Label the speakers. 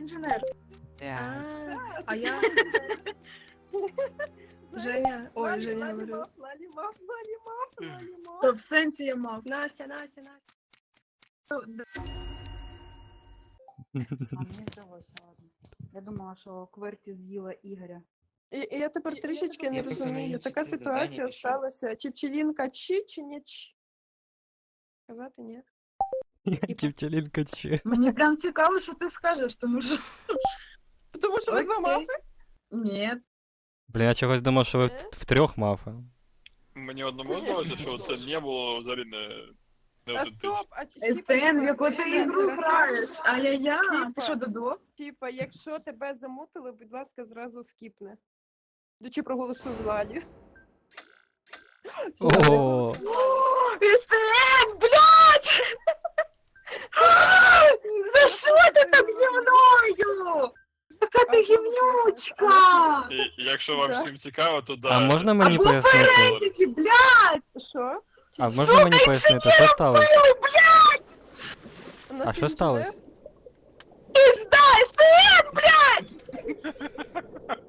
Speaker 1: інженер.
Speaker 2: А я... Женя, ой, Женя говорю.
Speaker 3: Лалімав.
Speaker 1: То в сенсі я мав.
Speaker 2: Настя.
Speaker 4: А мені здалося, ладно. Я думала, що Кверті з'їла Ігоря.
Speaker 3: І я тепер трішечки не
Speaker 5: Я просто не
Speaker 3: розумію.
Speaker 5: їм
Speaker 3: Така
Speaker 5: це завдання
Speaker 3: ситуація
Speaker 5: пішов.
Speaker 3: сталася. Чи пчелінка чи не чи? Казати ні.
Speaker 6: Чівчалінка чи.
Speaker 1: Мені прям цікаво, що ти скажеш, тому що...
Speaker 3: Тому що ви два
Speaker 1: Окей.
Speaker 3: мафи?
Speaker 1: Ні.
Speaker 6: Блін, я чогось думав, що ви втрьох мафи.
Speaker 7: Мені одному здалося, що це не було взагалі не
Speaker 3: А
Speaker 7: аутентично.
Speaker 3: стоп, а чи
Speaker 1: СТН, в яку ти ігру граєш? Ай-яй-яй.
Speaker 3: Типа.
Speaker 1: Ти що, Додо?
Speaker 3: Типа, якщо тебе замутили, будь ласка, зразу скіпни. Чи проголосуй Владі.
Speaker 6: О,
Speaker 1: СТН, блядь! За що ти так зі мною? Яка ти гімнючка!
Speaker 7: І якщо вам
Speaker 3: Да.
Speaker 7: всім цікаво, то да.
Speaker 6: а можна мені
Speaker 1: Або
Speaker 6: пояснити?
Speaker 1: Ферентіті, блядь!
Speaker 3: Що?
Speaker 6: А можна мені пояснити, що сталося?
Speaker 3: У нас
Speaker 6: А що
Speaker 3: інженер?
Speaker 6: сталося?
Speaker 1: Пізда, СТН, блядь!